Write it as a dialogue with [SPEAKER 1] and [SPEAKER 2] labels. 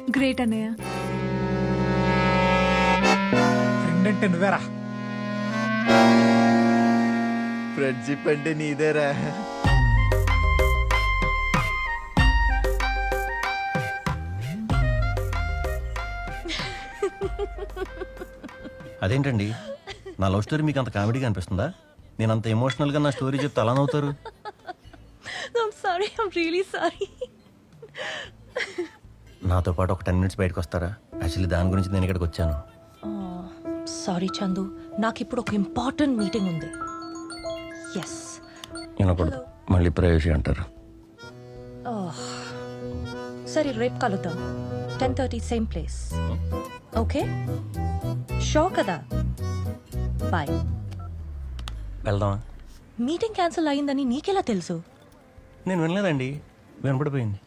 [SPEAKER 1] Great అన్నయ్య.
[SPEAKER 2] Friend అంటే నువ్వేరా.
[SPEAKER 3] ఫ్రెండ్షిప్ అంటే నీదేరా.
[SPEAKER 4] అదేంటండి, నా లవ్ స్టోరీ మీకు అంత కామెడీగా అనిపిస్తుందా? నేను అంత ఎమోషనల్గా నా స్టోరీ చెప్తే అలా నవ్వుతారు.
[SPEAKER 5] I'm sorry. I'm really sorry.
[SPEAKER 4] నాతో పాటు ఒక 10 మినిట్స్ బయటకు వస్తారా? యాక్చువల్లీ దాని గురించి నేను ఇక్కడికి వచ్చాను.
[SPEAKER 5] సారీ చందు, నాకు ఇప్పుడు ఒక ఇంపార్టెంట్ మీటింగ్ ఉంది. ఎస్.
[SPEAKER 4] వినకూడదు, మళ్ళీ ప్రైవసీ అంటారు.
[SPEAKER 5] సరే, రేపు కలుద్దాం. 10:30 సేమ్ ప్లేస్. ఓకే, షో కదా. బాయ్.
[SPEAKER 4] వెళ్దామా?
[SPEAKER 5] మీటింగ్ క్యాన్సిల్ అయిందని నీకెలా తెలుసు?
[SPEAKER 4] నేను వినలేదండి, వినపడిపోయింది.